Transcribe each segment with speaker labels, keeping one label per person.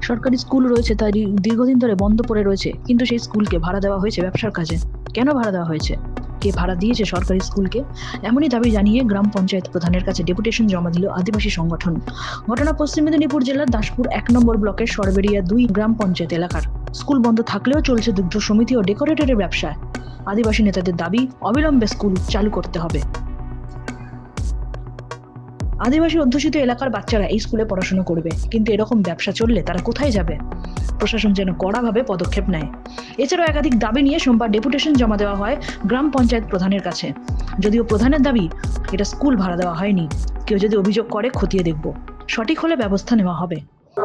Speaker 1: সরকারি স্কুল রয়েছে তাই দীর্ঘদিন ধরে বন্ধ পড়ে রয়েছে, কিন্তু সেই স্কুলকে ভাড়া দেওয়া হয়েছে ব্যবসার কাজে। কেন ভাড়া দেওয়া হয়েছে, কে ভাড়া দিয়েছে সরকারি স্কুলকে, এমনই দাবি জানিয়ে গ্রাম পঞ্চায়েত প্রধানের কাছে ডেপুটেশন জমা দিল আদিবাসী সংগঠন। ঘটনা পশ্চিম মেদিনীপুর জেলার দাসপুর 1 নম্বর ব্লকের সরবেরিয়া 2 গ্রাম পঞ্চায়েত এলাকার। স্কুল বন্ধ থাকলেও চলছে দুগ্ধ সমিতি ও ডেকোরেটরের ব্যবসা। আদিবাসী নেতাদের দাবি অবিলম্বে স্কুল চালু করতে হবে। আদিবাসী অধ্যুষিত এলাকার বাচ্চারা এই স্কুলে পড়াশোনা করবে, কিন্তু এরকম ব্যবসা চললে তারা কোথায় যাবে? প্রশাসন যেন কড়াভাবে পদক্ষেপ নেয়। এছাড়াও একাধিক দাবি নিয়ে সোমবার ডেপুটেশন জমা দেওয়া হয় গ্রাম পঞ্চায়েত প্রধানের কাছে। যদিও প্রধানের দাবি এটা স্কুল ভাড়া দেওয়া হয়নি, কেউ যদি অভিযোগ করে খতিয়ে দেখব, সঠিক হলে ব্যবস্থা নেওয়া হবে।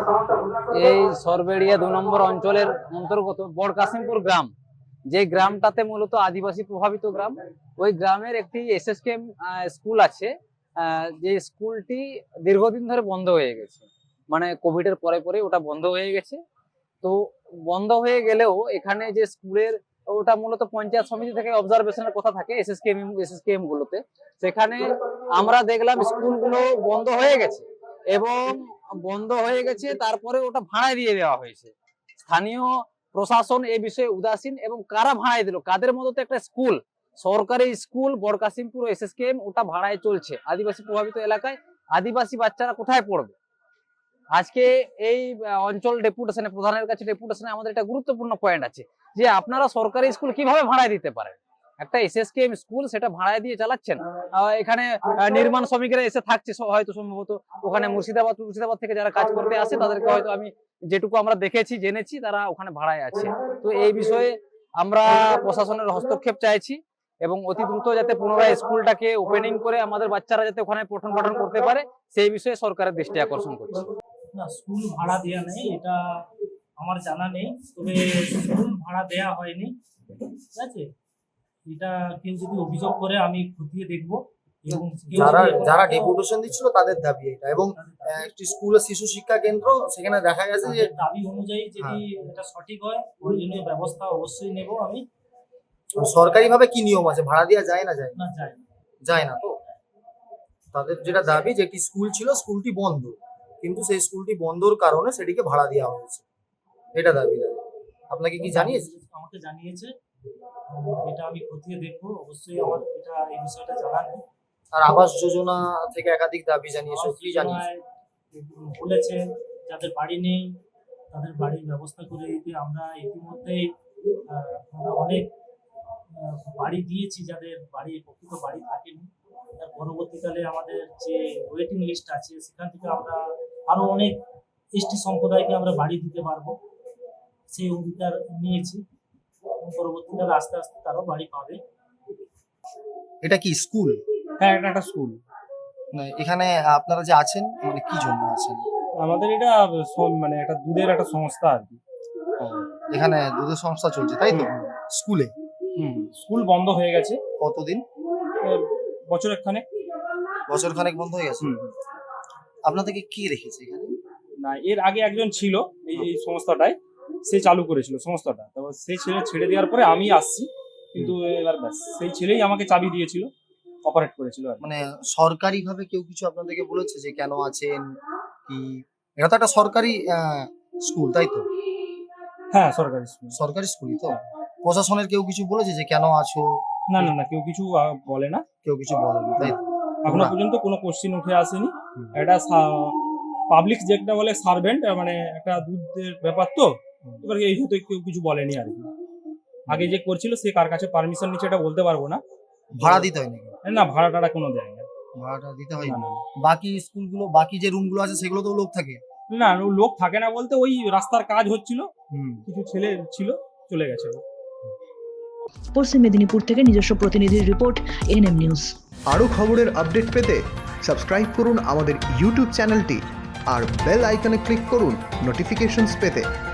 Speaker 2: এই সরবেড়িয়া 2 নম্বর অঞ্চলের অন্তর্গত বড়কাশিমপুর গ্রাম, যে গ্রামটাতে মূলত আদিবাসী প্রভাবিত গ্রাম, ওই গ্রামের একটি এসএসকেএম স্কুল আছে। যে স্কুলটি দীর্ঘদিন ধরে বন্ধ হয়ে গেছে, মানে কোভিডের পরে পরে ওটা বন্ধ হয়ে গেছে। তো বন্ধ হয়ে গেলেও এখানে যে স্কুলের ওটা মূলত পঞ্চায়েত সমিতি থেকে অবজারভেশনের কথা থাকে এসএসকেএম গুলোতে, সেখানে আমরা দেখলাম স্কুলগুলো বন্ধ হয়ে গেছে এবং বন্ধ হয়ে গেছে, তারপরে ওটা ভাড়ায় দিয়ে দেওয়া হয়েছে। স্থানীয় প্রশাসন এই বিষয়ে উদাসীন, এবং কারা ভাড়ায় দিল, কাদের মধ্যে একটা স্কুল, সরকারি স্কুল বড়কাশিমপুর এসএসকেএম, ওটা ভাড়ায় চলছে আদিবাসী প্রভাবিত এলাকায়। আদিবাসী বাচ্চারা কোথায় পড়বে? আজকে এই অঞ্চল ডেপুটেশনে, প্রধানের কাছে ডেপুটেশনে আমাদের একটা গুরুত্বপূর্ণ পয়েন্ট আছে যে আপনারা সরকারি স্কুল কিভাবে ভাড়ায় দিতে পারেন? একটা এসএসকেএম স্কুল, সেটা ভাড়ায় দিয়ে চালাচ্ছেন। এখানে নির্মাণ শ্রমিকরা এসে থাকছে হয়তো, সম্ভবত ওখানে মুর্শিদাবাদ থেকে যারা কাজ করতে আসে তাদেরকে হয়তো, আমি যেটুকু আমরা দেখেছি জেনেছি, তারা ওখানে ভাড়ায় আছে। তো এই বিষয়ে আমরা প্রশাসনের হস্তক্ষেপ চাইছি এবং অতি দ্রুত যাতে পুনরায় স্কুলটাকে ওপেনিং করে আমাদের বাচ্চারা যাতে ওখানে পঠন পাঠন করতে পারে, সেই বিষয়ে সরকারের দৃষ্টি আকর্ষণ করছি।
Speaker 3: না, স্কুল ভাড়া দেয়া নেই, এটা আমার জানা নেই। তবে স্কুল ভাড়া দেয়া হয়নি, ঠিক আছে। এটা কেউ যদি অভিযোগ করে আমি খতিয়ে দেখবো। এবং
Speaker 4: যারা ডেপুটেশন দিচ্ছিল তাদের দাবি এটা, এবং একটি স্কুল শিশু শিক্ষা কেন্দ্র, সেখানে দেখা গেছে যে
Speaker 3: দাবি অনুযায়ী যদি এটা সঠিক হয়, প্রয়োজনীয় ব্যবস্থা অবশ্যই নেব আমি।
Speaker 4: সরকারি ভাবে কি নিয়ম আছে, ভাড়া দেওয়া যায় না?
Speaker 3: না,
Speaker 4: যায় না। তো তাদের যেটা দাবি যে একটি স্কুল ছিল, স্কুলটি বন্ধ, কিন্তু সেই স্কুলটি বন্ধর কারণে সেটিকে ভাড়া দেওয়া হয়েছে, এটা দাবি। আপনাকে কি জানিয়েছে?
Speaker 3: আমাকে জানিয়েছে, এটা আমি খতিয়ে দেখবো অবশ্যই। আমার এটা এই বিষয়টা জানা নেই।
Speaker 4: আর আবাস যোজনা থেকে একাধিক দাবি জানিয়েছে, কি জানিয়েছে?
Speaker 3: বলেছে যাদের বাড়ি নেই তাদের বাড়ির ব্যবস্থা করে দিতে। আমরা ইতিমধ্যেই অনেক বাড়ি দিয়েছি যাদের প্রকৃত বাড়ি থাকেনি। তার পরবর্তীকালে আমাদের যে ওয়েটিং লিস্ট আছে, সেখান থেকে আমরা আরো অনেক এসটি সম্প্রদায়কে আমরা বাড়ি দিতে পারবো, সেই অঙ্গীকার নিয়েছি। পরবর্তীকালে আস্তে আস্তে তারাও বাড়ি পাবে।
Speaker 4: এটা কি স্কুল?
Speaker 3: হ্যাঁ, এটা একটা স্কুল।
Speaker 4: এখানে আপনারা যে আছেন, মানে কি জন্য আছেন?
Speaker 3: আমাদের এটা মানে একটা দুধের একটা সংস্থা আর কি।
Speaker 4: এখানে দুধের সংস্থা চলছে, তাই তো? স্কুলে
Speaker 3: স্কুল বন্ধ হয়ে গেছে।
Speaker 4: কতদিন? বছরখানেক বন্ধ হয়ে গেছে। আপনাদেরকে কি রেখেছে এখানে?
Speaker 3: না, এর আগে একজন ছিল এই সংস্থাটায়, সে চালু করেছিল সংস্থাটা। তারপর সেই ছেলে ছেড়ে দেওয়ার পরে আমি আসছি, কিন্তু এবার ব্যাস সেই ছেলেই আমাকে চাবি দিয়েছিল, অপারেট করেছিল।
Speaker 4: মানে সরকারি ভাবে কেউ কিছু আপনাদেরকে বলেছে যে কেন আছেন কি? এটা তো একটা সরকারি স্কুল, তাই তো?
Speaker 3: হ্যাঁ, সরকারি স্কুলই তো।
Speaker 4: প্রশাসনের কেউ কিছু বলেছে যে কেন আছো?
Speaker 3: না, কেউ কিছু বলে না।
Speaker 4: কেউ কিছু বলেনি, তাই তো?
Speaker 3: এখনো পর্যন্ত কোনো কোশ্চিন উঠে আসেনি। এটা পাবলিক যেটা বলে সার্ভেন্ট, মানে একটা দুধের ব্যাপার, তো এবার এই হয়তো কেউ কিছু বলেনি আর কি। আগে যে করছিল সে কার কাছে পারমিশন নিচ্ছে এটা বলতে পারবো না।
Speaker 4: ভাড়া দিতে হয় নাকি?
Speaker 3: না, ভাড়াটা কোনো দেয় না।
Speaker 4: ভাড়াটা দিতে হয় না। বাকি স্কুলগুলো, বাকি যে রুমগুলো আছে সেগুলো তো লোক থাকে?
Speaker 3: না, লোক থাকে না বলতে ওই রাস্তার কাজ হচ্ছিল, কিছু ছেলে ছিল, চলে গেছে।
Speaker 1: পশ্চিম মেদিনীপুর থেকে নিজস্ব প্রতিনিধির রিপোর্ট, এনএম নিউজ।
Speaker 5: আরও খবরের আপডেট পেতে সাবস্ক্রাইব করুন আমাদের ইউটিউব চ্যানেলটি আর বেল আইকনে ক্লিক করুন নোটিফিকেশনস পেতে।